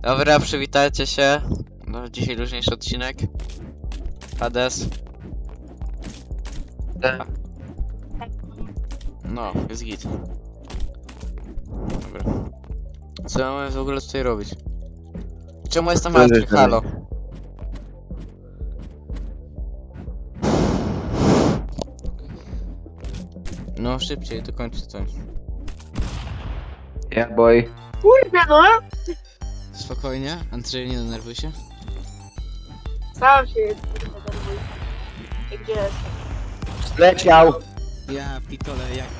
Dobra, przywitajcie się. No, dzisiaj luźniejszy odcinek. Hades. No, jest git. Dobra. Co mamy w ogóle tutaj robić? Czemu jestem martwy? Halo. No, szybciej, dokończę coś. Yeah, boy. Kurde no! Spokojnie, Andrzej, nie denerwuj się. Sam się jest, kurde, denerwuję. I gdzie jest? Zleciał! Ja pitole jak...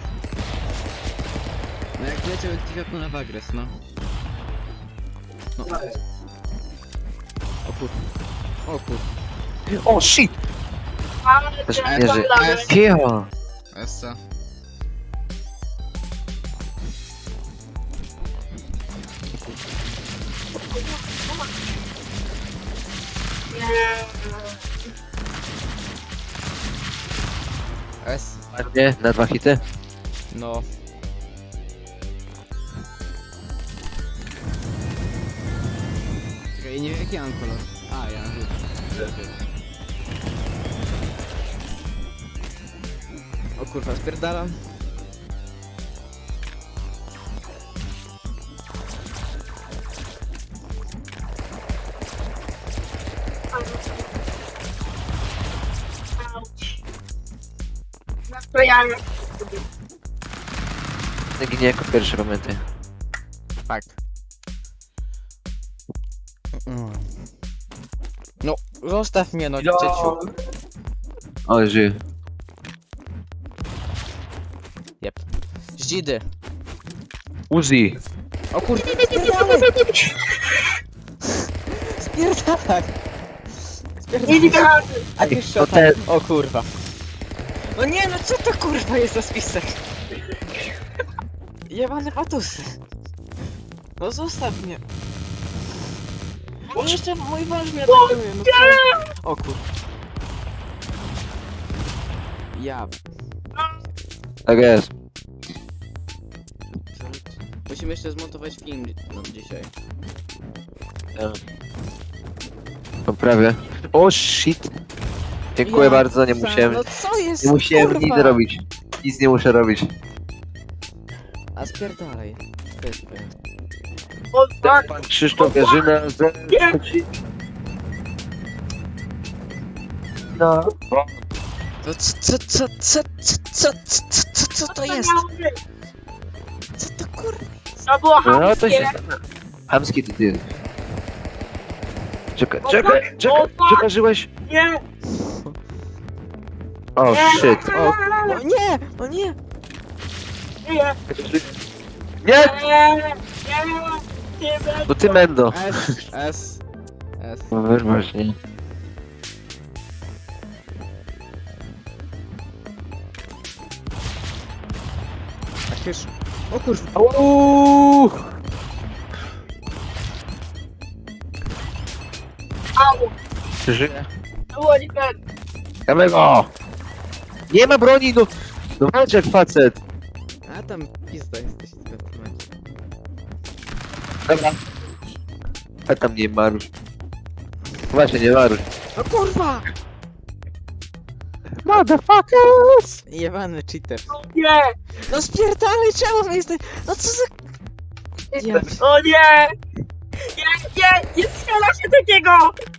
No jak leciał jak na wagres, no. No. O kur... O kur... O, shit! Ale Też teraz nie tam żyje. lagę. Cicho! Essa. Nie. S. Ładnie, na 2 hity. No. Czekaj, nie wiem jaki mam kolor. A, ja mam żółty. O kurwa, spierdalam. Auć. Nastrojamy. Ginie jako pierwszy, pamiętaj. Tak. No, zostaw mnie, no, dzieciu. O, żyje. Jep. Zdzidy. Uzi! O kurwa, spierdalaj! Spierdalaj! Nie widziałem. A ty to szota. ten. O kurwa. No nie, no co to kurwa jest za spisek? Jebane patusy. No zostaw mnie. O, jeszcze mój mąż mnie atakuje, no co? O kurwa. Ja. Tak jest. Musimy jeszcze zmontować film dzisiaj. Poprawię. O, shit! Dziękuję bardzo, nie musiałem... No co jest? Nie musiałem kurwa? nic robić. Nic nie muszę robić. A spierdalaj. O, tak. Pan Krzysztof Jarzyna z... No. To co to jest? miało być? Co to kurwa? To było No to chamskie. się... Hamski ty. Czekaj, O, czekaj, fuck. czekaj, O, fuck. przekarzyłeś? Nie. O, shit. O nie! O nie! Nie. Nie! Nie. Nie. To ty, Mendo. S. No wyrwasz, nie? Tak już. O kurwa. Uuuu! Au. Żyje. Było nie ten. Damy go! Nie ma broni, no! No walcz jak facet! A tam pizda jesteś w tym momencie. Dobra. A tam nie marusz. Właśnie, nie marusz. O kurwa! Motherfuckers! Jebany cheater. Nie. No spierdalaj, czemu my jesteś? No co za... Ja... O nie. Nie strzela się takiego.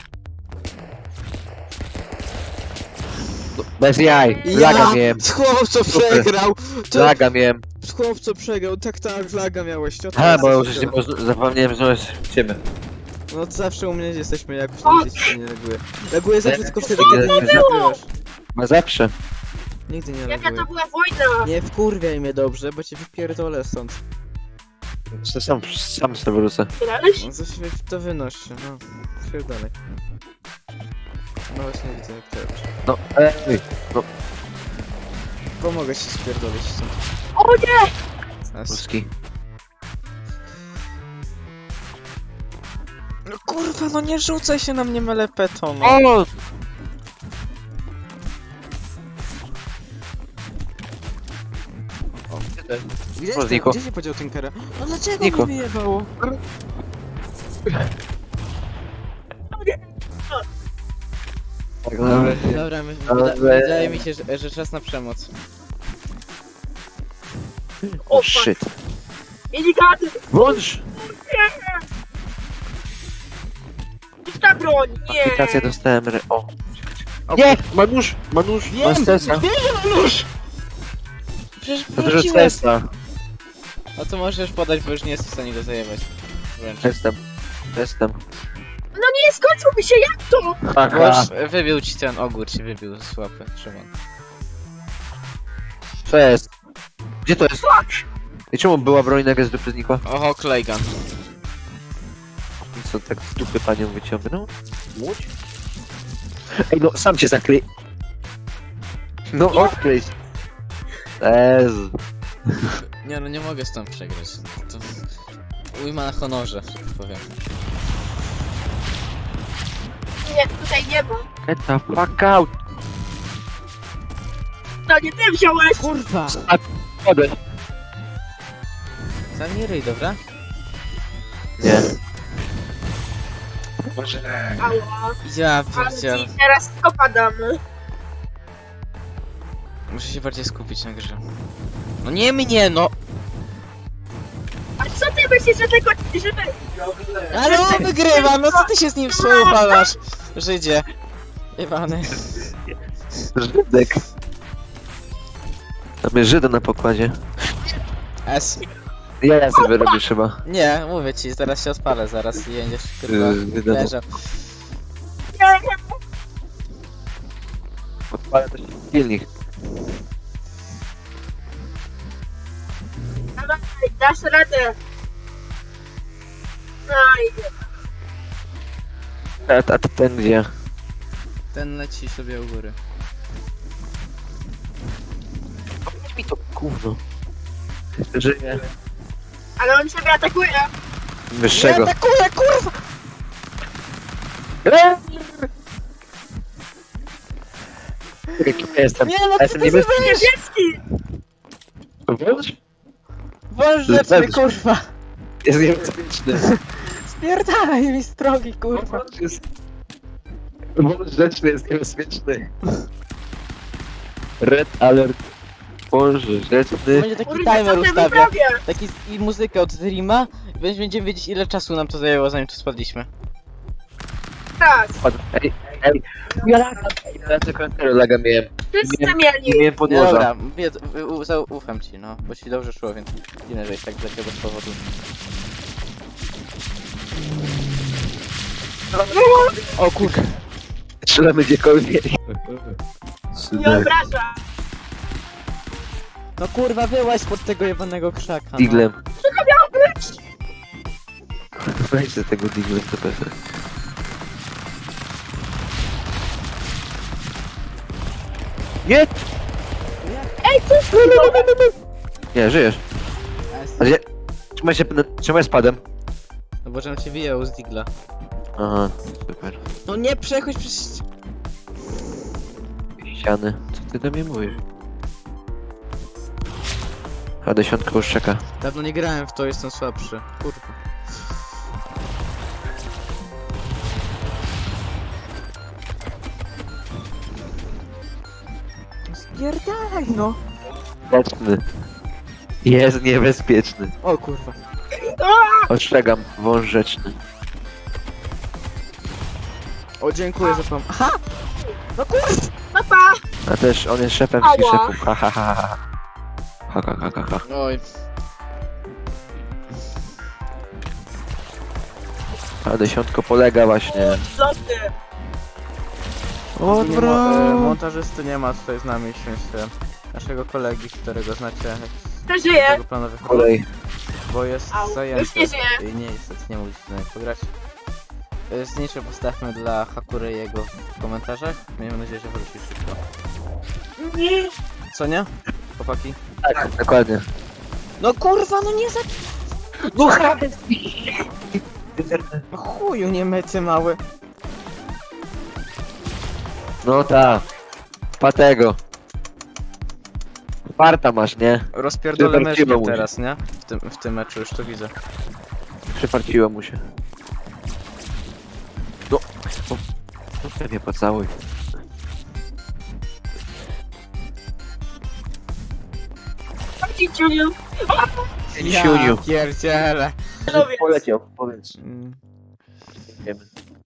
No, bez jaj. Laga miałem. Chłopco przegrał! Laga miałem. Chłopco przegrał, tak, laga miałeś. A, bo już nie można, zapomniałem, że masz ciebie. No to zawsze u mnie jesteśmy jakoś O, tam gdzieś się nie laguje. Laguje zawsze tylko wtedy, nie, kiedy nie nie lagujesz. Ma zawsze. Nigdy nie Jaka laguje. to była wojna. Nie wkurwiaj mnie dobrze, bo cię wypierdolę stąd. To sam sobie wrócę. Grałeś? No coś to wynoś się, no. Pierdolej. No właśnie widzę jak to robisz. No, ej. No, Pomogę ci spierdolić stąd. O nie. Nas. Polski. No kurwa, no nie rzucaj się na mnie melepetą, no. O! Gdzie, O, Niko. gdzie się podział Tinkera? No dlaczego Niko. mi wyjebało? Tak, nawet. Dobra, Ale- wydaje mi się, że czas na przemoc. O, O, shit. Minigany! Włącz! Gdzieś ta broń! Nie! Aplikację dostałem, o. O, Nie! Manusz! Manusz! Wiem! Masz stresa. Nóż! Przecież To dużo wróciłem. stresa. No to możesz podać, bo już nie jesteś w stanie go zajebać. Wręcz. Jestem. No nie, skończył mi się, jak to? Bo już wybił ci ten ogór, ci wybił z łapy, Szymon. Co jest? Gdzie to jest? I czemu była broń nagle z dupy znikła? Oho, Klejgan. I co, tak z dupy panią wyciągnął? Łódź? Ej, no sam się zakryj. No odkryj. Jezu. Nie no, nie mogę stąd przegrać. To ujma na honorze, że tak powiem. Nie, tutaj nie ma. Get the fuck out. No nie ty wziąłeś! Kurwa! Chodzę. Zamknij ryj, dobra? Nie. Ała. Ja Ale pierdzielę. ci teraz opadamy. Muszę się bardziej skupić na grze. No nie mnie, no! A co ty myślisz, że tego... że te... Ale on wygrywa, no co ty się z nim współpalasz? Żydzie. Jebany. Żydek. Mamy Żyda na pokładzie. S. Ja sobie robisz chyba. Nie, mówię ci, zaraz się odpalę, zaraz i będziesz kurwa Wiadomo. leżał. Odpalę też silnik. Dawaj, dasz radę. Aj, A to ten gdzie? Ten leci sobie u góry. Chodź mi to gówno. Żyje. ale on ciebie atakuje. Wyższego. atakuję, kurwa! Jaki ja jestem? Nie no, Ja co jestem ty niebieski. zrobisz? Niebieski! Włącz? Wąż rzeczny, kurwa! Jest niebezpieczny. Spierdalaj mi z drogi, kurwa! Wąż rzeczny jest niebezpieczny. Red alert. Wąż rzeczny. Będzie taki Kurde, timer co ty ustawia. wyprawia? Taki i muzykę od streama. Będziemy wiedzieć ile czasu nam to zajęło zanim tu spadliśmy. Tak, Ej. Ja tylko laga miałem. wszyscy Nie mieli. miałem Nie, podłoża. dobra, ufam ci, no, bo ci dobrze szło, więc dziwne, że jest tak dlaczego bez powodu. O kurwa. Strzelamy gdziekolwiek. Nie obraża. No kurwa, wyłaź pod tego jebanego krzaka, no. Diglem. Co to miało być? Weź ze tego diglem to pewnie. Nie! Ej, co jest? Nie, żyjesz. A gdzie? Trzymaj spadem. No bo żebym cię wyjął z digla. Aha, super. No nie przechodź przez... Ściany. Co ty do mnie mówisz? A dziesiątka już czeka. Dawno nie grałem w to, jestem słabszy. Kurwa. Spierdalaj no! Mocny. Jest niebezpieczny. O kurwa. Ostrzegam, wąż rzeczny. O dziękuję za pom... Aha! No kurwa! Papa! A też on jest szefem Ała. wszystkich szefów. Ha ha ha ha. Ha ha ha ha ha. Oj. A dziesiątko polega właśnie. Zloty. O, Montażysty nie ma tutaj z nami, w sensie naszego kolegi, którego znacie To żyje. z tego planowych kolej. bo jest Au, zajęty. już nie żyje. I nie, niestety nie mógł z nami pograć. Znicze postawmy dla Hakury jego w komentarzach. Miejmy nadzieję, że wróci szybko. Nie. Co nie? Chłopaki? Tak, dokładnie. No kurwa, no nie za... No No chuju nie myty mały. No ta. Patego. Farta masz, nie? Rozpierdolę Wywarciło myszkę mu się. teraz, nie? W tym meczu już to widzę. Przefarciło mu się. No mnie pocałuj. Ciuniu. Siuniu. pierdziele. Lubię. Poleciał, powiedz. Wiemy.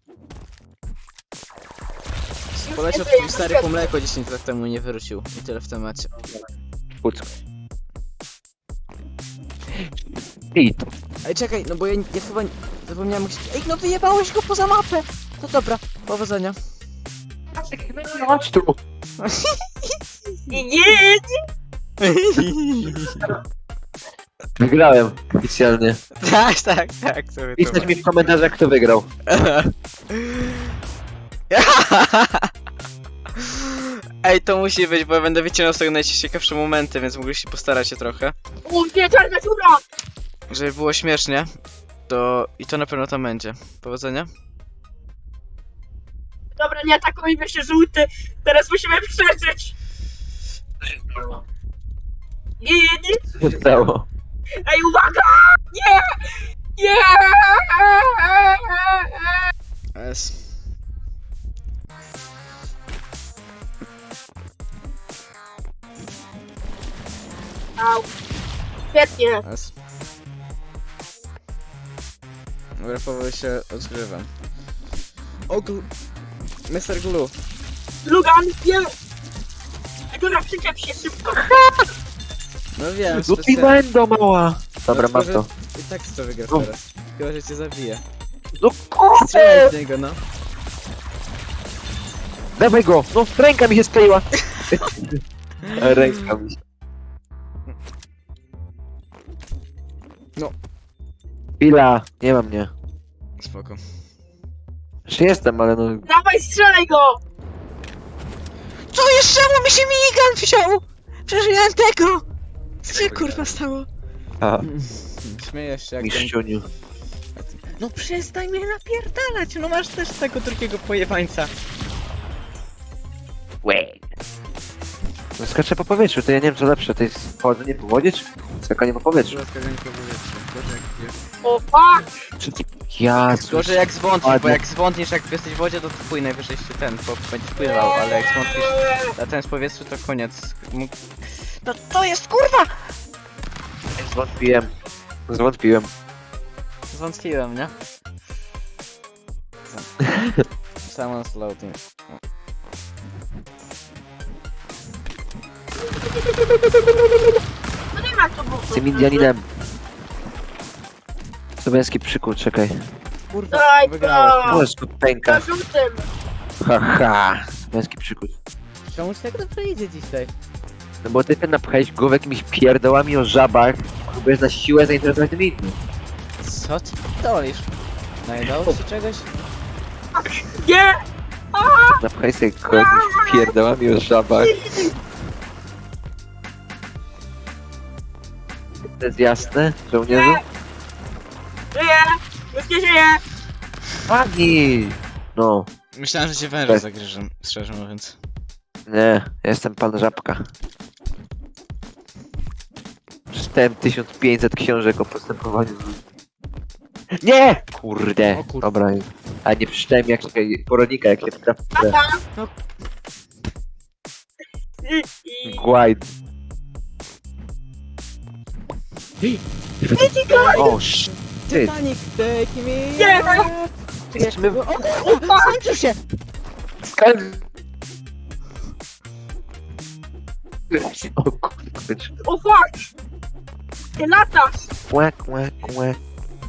Poleciał twój stary po mleko 10 lat temu, nie wyrzucił. I tyle w temacie. Puck. I to. Ej, czekaj, no bo ja chyba zapomniałem jak się... Ej, no wyjebałeś go poza mapę! To dobra, powodzenia. Chodź tu. Nie. Wygrałem oficjalnie. Tak, sobie to Pisać mi w komentarzach, kto wygrał. Ej, to musi być, bo ja będę wycinał z tego najciekawsze momenty, więc mogliście postarać się trochę. Nie, czarna dziura. Żeby było śmiesznie, to... I to na pewno tam będzie. Powodzenia. Dobra, nie atakujmy się, żółty. Teraz musimy przeżyć. Nie. Co się stało? Ej, uwaga! Nie! Nie! S. Au. Świetnie. S. Dobra, powoli się odgrywam. O, Mr. Glue. Lugan, nie! Dobra, przyczep się szybko. No wiem, Lupiłem do mała. Dobra, mam to. I tak to wygrasz No. teraz. Chyba, że cię zabije. No Strzelaj kurde! z niego, no. Dawaj go! No, ręka mi się skleiła. Ręka mi się. No. Chwila, nie ma mnie. Spoko. Jeszcze jestem, ale no... Dawaj, strzelaj go! Co jeszcze? Czemu mi się minigun wziął? Przeżyłem tego! Co się kurwa stało? A, Śmiejesz się jak ten... mistrzyniu. No przestań mnie napierdalać, no masz też tego drugiego pojebańca. No skaczę po powietrzu, to ja nie wiem co lepsze, to jest chodzenie po wodzie czy skakanie po powietrzu? O, fuck! Czy ty... Ja... Gorzej jak zwątpisz, bo Ładnie. jak zwątniesz jak jesteś w wodzie, to twój najwyżej się ten, bo będziesz pływał, ale jak zwątpisz na ten z powietrzu, to koniec. No to jest kurwa! Zwątpiłem. Zwątpiłem, nie? Someone's loading. No nie ma tu buchu. Z tym Indianinem. Słowiański przykład, czekaj. Kurwa, Daj wygrałeś. to! O, skupenka. Na żółtym. Haha. Słowiański przykład. Czemu ci tak dobrze idzie dzisiaj? No bo ty ten napchałeś głowę jakimiś pierdołami o żabach, próbujesz na siłę zainteresować tym innym. Co ty dolisz? Najdało ci czegoś? Nie! Napchaj sobie głowę jakimiś pierdołami o żabach. To jest jasne, żołnierzu? Żyję! Już nie żyję! Pani! No, Myślałem, że cię węże Tak. zagryżę, szczerze mówiąc. nie, ja jestem pan Żabka. Przeczytałem 1500 książek o postępowaniu z ludźmi. Nie! Kurde! O kurde. Dobra, a nie przeczytałem jak porodnika, jak jest prawda. No. Guide. O, shit. Titanic, take me! Nie! Jesteśmy w... Skończył się! O kurde. O, fuck! Ty latasz! Łek, łek, łek.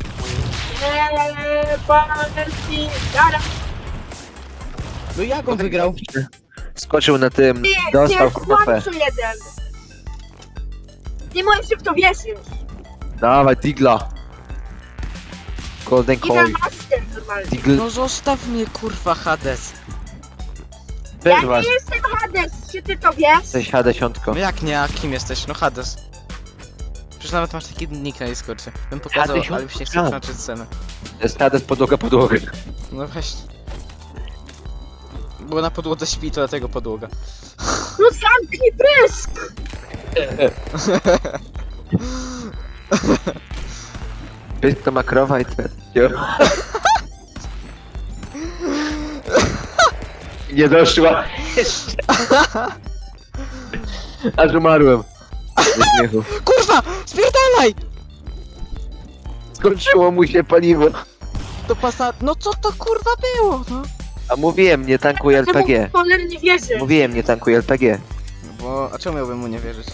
Panelki! Dara! No jak on wygrał? Skoczył na tym, Nie, dostał nie, kupę. słońcu jeden! Nie możesz w to wierzyć! Dawaj, Digla. Golden I na Coin. master normalnie. Digl, No zostaw mnie kurwa Hades. Ja też was. nie jestem Hades, czy ty to wiesz? Jesteś Hadesiątko. No jak nie, a kim jesteś? No Hades. Przecież nawet masz taki nick na Discordzie. Bym pokazał, Hades, ale mi się nie chce tak. tłumaczyć scenę. To jest Hades podłoga, podłoga. No właśnie. Bo na podłodze śpi, to dlatego podłoga. No zamknij pysk! Pysk to ma krowa i teraz. Nie doszła. Jeszcze. Aż umarłem. Ze śmiechu. Kurwa! Spierdalaj! Skończyło mu się paliwo. To pasa... No co to kurwa było, no? A mówiłem, nie tankuj LPG. Cholernie wierzę. Mówiłem, nie tankuj LPG. Bo... A czemu miałbym mu nie wierzyć?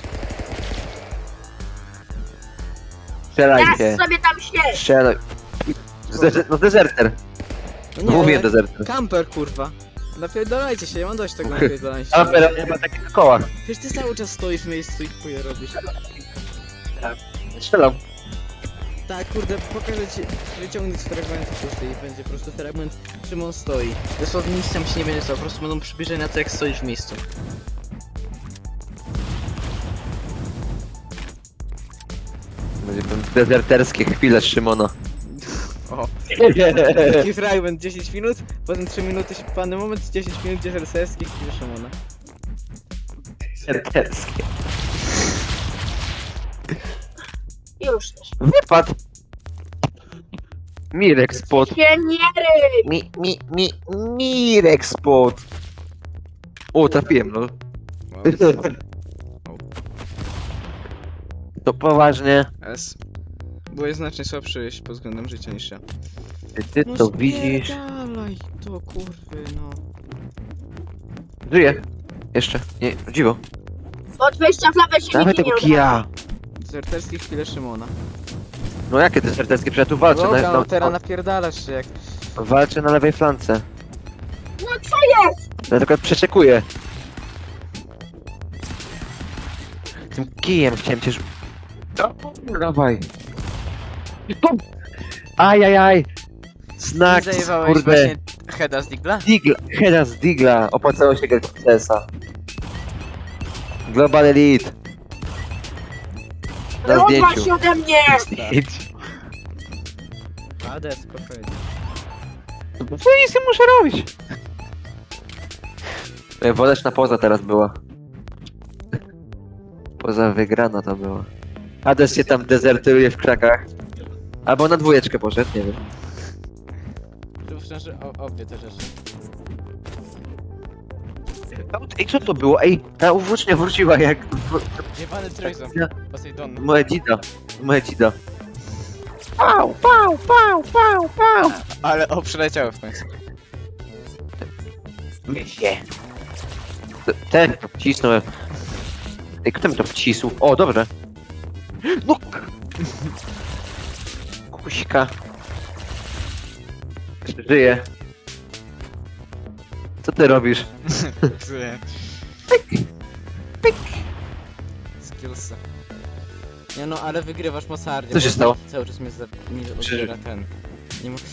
Strzelajcie. Teraz sobie tam śpiesz. Strzelaj. No dezerter. No Mówię dezerter. Kamper kurwa. Napierdolajcie się, ja mam dość tego napierdolania się. A teraz nie ma takich kołach. Przecież ty cały czas stoisz w miejscu i chuje robisz. Strzelam. Tak, kurde, pokażę ci, wyciągnąć fragment pusty i będzie po prostu fragment, czym on stoi. Dosłownie nic tam się nie będzie stało, po prostu będą przybliżenia to jak stoisz w miejscu. Będzie ten dezerterskie chwile Szymona. O. Taki fragment 10 minut, potem 3 minuty pany moment, 10 minut dezerterskie chwile Szymona. Dezerterskie. Już też. Wypadł. Mirek spot. Pioniery! Mirek spot. O, trafiłem, no. To poważnie. S. Byłeś znacznie słabszy pod względem życia niż ja. Ty to widzisz. Dalej, to kurwy, no. Żyje. Jeszcze. Nie, dziwo. Od wejścia w lawę się Dawaj nikt tego nie kija. Dezerterskie chwile Szymona. No jakie dezerterskie? Przecież ja tu walczę Dobra, no na, teraz napierdalasz się jak... walczę na lewej flance. No co jest? Ja tylko przeczekuję. Tym kijem chciałem cię... Dawaj. Bum! Ajajaj. Znak, Zajebałeś kurde. właśnie heada z Digla? Digla, heada z Digla. Opłacało się grać w CS-a. Global Elite. Na Rozwal zdjęciu. się ode mnie! Ade, spokojnie. Co nic nie muszę robić? Woleczna poza teraz była. Poza wygrana to była. Hades się tam dezertuje w krzakach. Albo na dwójeczkę poszedł, nie wiem. Tu szczerze, obie te rzeczy. Ej, co to było? Ej, ta włócznia wróciła jak... Jebany trójząb, Poseidon. Moedzida. Pał, pał, pał, pał, pał. Ale przeleciały w końcu. Się. Ten to wcisnąłem. Ej, kto mi to wcisł? O, dobrze. No! Kuśka. Żyje. Co ty robisz? Skillsy. Nie no, ale wygrywasz mocarnie. Co się bo stało? Cały czas mi odbiera ten. Nie mógł...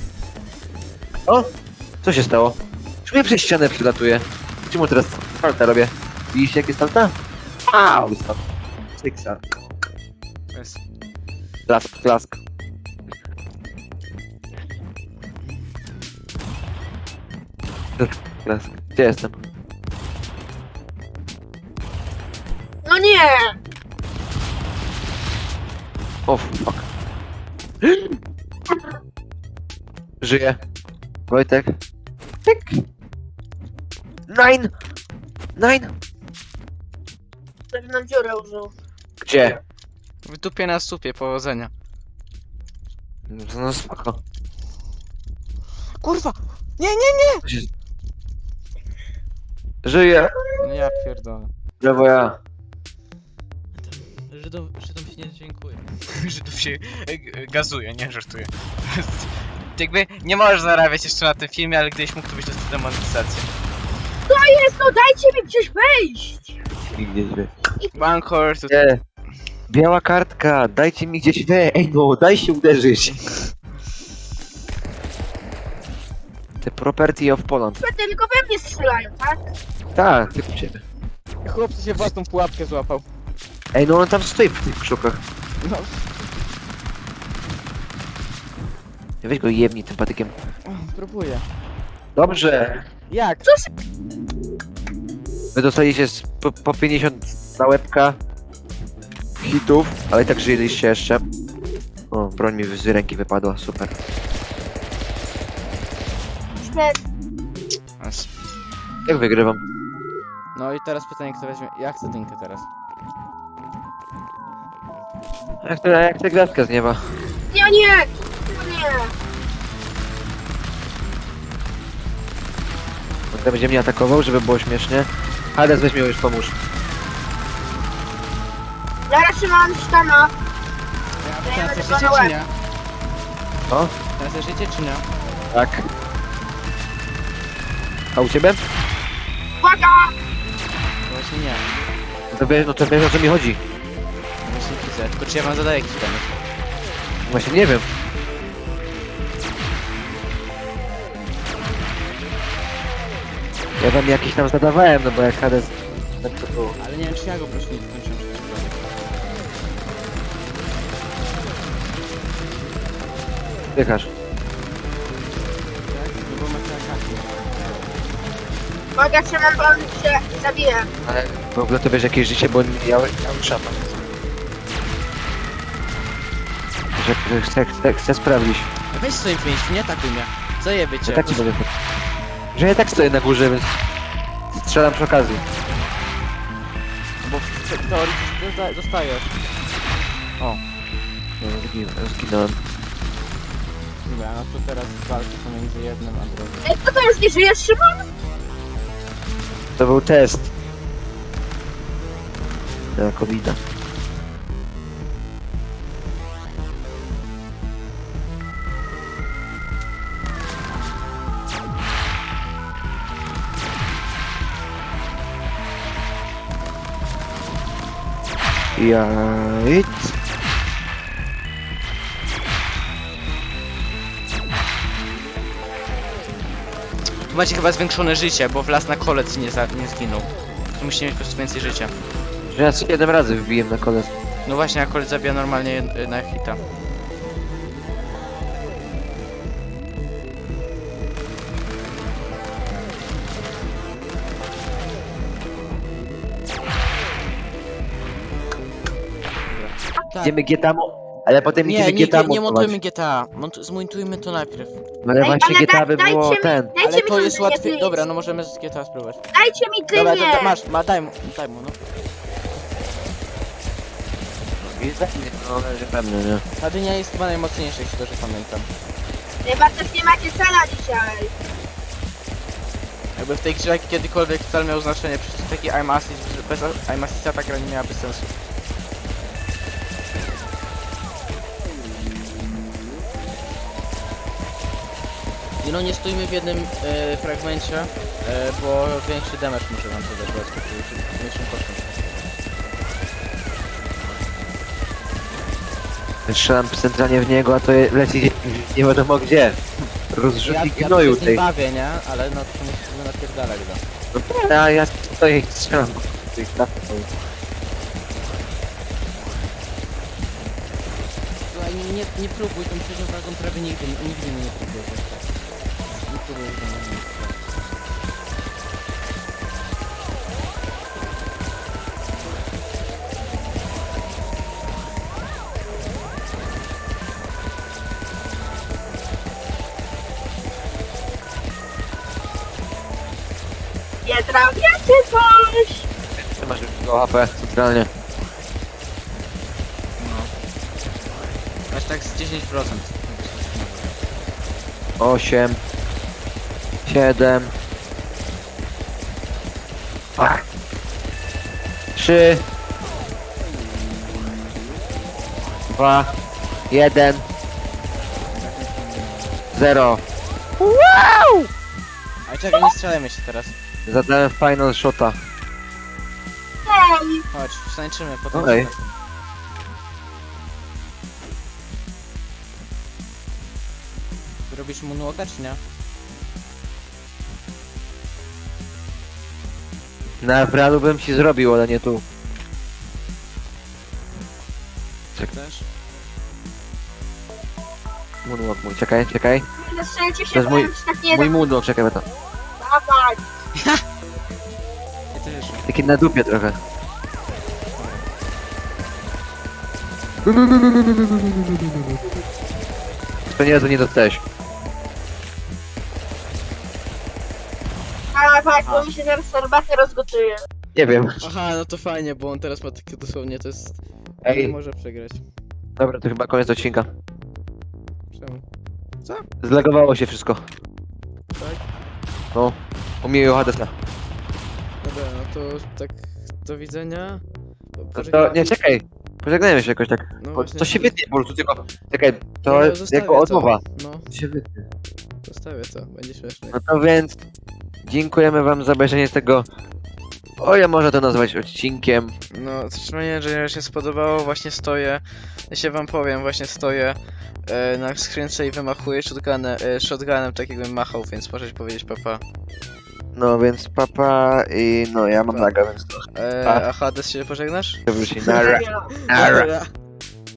Co się stało? Czemu ja przez ścianę przylatuję? Czemu teraz salta robię? Widzicie jakie salta? Au! Syksa. Klask, klask. Klask. Gdzie jestem? No nie! O, fuck. Żyję. Wojtek. Tyk. Nine! Nine! Tak nam dziurę użył. Gdzie? W dupie na supie, powodzenia. No spoko. Kurwa! Nie, nie, nie! Żyję. No ja pierdolę. Brawo ja. Żydom się nie dziękuję. Żydów się gazuje, nie żartuję. Jakby nie możesz zarabiać jeszcze na tym filmie, ale gdzieś mógł to być to demonetyzacja. To jest, no dajcie mi gdzieś wejść! I gdzieś wy. Bankor, to... Nie. Biała kartka, dajcie mi gdzieś we. Ej no, daj się uderzyć. The property of Poland. Tylko we mnie strzelają, tak? Tak, tylko ciebie. Chłopcy się własną pułapkę złapał. Ej no on tam stoi w tych krzukach. No, Weź go jebnij tym patykiem. próbuję. Dobrze. Jak? Wy dostaliście po 50 na łebka hitów, ale i tak żyliście jeszcze. O, broń mi z ręki wypadła, super. Śmierć. Jak wygrywam? No i teraz pytanie, kto weźmie... Ja chcę dynkę teraz. Jak ta gwiazdka z nieba? Nie, nie! Nie! On będzie mnie atakował, żeby było śmiesznie. Hades, weź mnie już pomóż. Zaraz trzymam sztana. Ja Ja teraz będę życie go na czy nie? O, Teraz życie czy nie? tak. A u ciebie? Uwaga! No właśnie nie. No to wiesz o co mi chodzi. Właśnie widzę. Tylko czy ja wam zadaję jakiś damage? Właśnie nie wiem. Ja wam jakiś tam zadawałem, no bo jak Hades... Tak to było. Ale nie wiem czy ja go po prostu nie dokończyłem przecież prawie. Dychasz. Tak? No bo macie ataki. Uwaga, trzymam, bo on się zabije. Ale w ogóle to wiesz jakieś życie, bo ja mam szapa. Że chcę sprawdzić. Weź swoim pięściu, nie atakuj mnie. Zajebie cię. Ja tak nie będę. Że ja tak stoję na górze, więc strzelam przy okazji. Bo w teorii dostajesz. O. No, zginąłem. Dobra, no to teraz walki pomiędzy jednym a drugim. Ej, kto to już nie żyje, Szymon? To był test. Na COVID-a. Jajc. Tu macie chyba zwiększone życie, bo w las na kolec nie zginął. Tu musicie mieć po prostu więcej życia. Że ja 7 razy wbiłem na kole. No właśnie, a kolec zabija normalnie na hita. Tak. Idziemy GTA, ale potem idziemy Nie, GTA nie montować. montujmy GTA. Zmontujmy to najpierw. No ale Ej, właśnie ale GTA by było dajcie mi- ten. Dajcie Ale mi to tą jest dynię, łatwiej. please. Dobra, no możemy z GTA spróbować. Dajcie mi Dobra, dynię! masz, daj mu, no. I tak nie, no ale pewnie, nie? Ta dynia jest chyba najmocniejsza, jeśli dobrze pamiętam. Chyba też nie macie cela dzisiaj. Jakby w tej grze kiedykolwiek cel miał znaczenie, przecież taki I'm Assist, że bez I'm Assista ta gra nie miałaby sensu. I no nie stójmy w jednym fragmencie, bo większy damage może wam zadać, bo jest mniejszym kosztem. Strzelam centralnie w niego, a to leci nie wiadomo gdzie. Rozrzutnik ja gnoju się z nim tej. bawię, nie? Ale no to musimy napierdalać go. No, a ja stoję i strzelam. Tej stawki. Słuchaj, nie próbuj tą trzecią wagą prawie nigdy mnie nie próbuj. Nie próbuj ze mną. Nie trafiacie coś! Ty masz już go HP centralnie. No. Aż tak z 10%. 8 7 3 2 1 0. Ale czekaj, nie strzelajmy się teraz. Zadałem final shota. Ej, Chodź, wstańczymy, potem... Okej. Robisz moonwalka, czy nie? Na pralu bym ci zrobił, ale nie tu. Chcesz? Moonwalk mój, czekaj, czekaj. zastrzelcie się, To jest bo mój- nam się tak nie da. Mój moonwalk, czekaj, to. Dawaj! Ja też. Taki na dupie trochę. To nie, to nie dostałeś. Tak, bo mi się teraz herbatę rozgotuje. Nie wiem. Aha, no to fajnie, bo on teraz ma takie dosłownie, to jest... Nie Ej, może przegrać. dobra, to chyba koniec odcinka. Czemu? Zlegowało się wszystko. Tak? No, u mnie i u Hadesa. Dobra, no to tak, do widzenia. No to, nie, czekaj. Pożegnajmy się jakoś tak. No Bo właśnie. to się wytnie po prostu, tylko... Czekaj, to No, jest zostawię jako odmowa. To. No, To się wytnie. zostawię to, będzie śmiesznie. No to więc... Dziękujemy wam za obejrzenie tego... O, ja może to nazwać odcinkiem. No, mam nadzieję, że się spodobało, właśnie stoję, ja się wam powiem, właśnie stoję na skrzynce i wymachuję shotgunem, tak jakbym machał, więc możecie powiedzieć papa. No więc papa i no ja mam Pa. naga, więc to A Hades się pożegnasz? wróci. Nara. Ja. Nara. Dobra.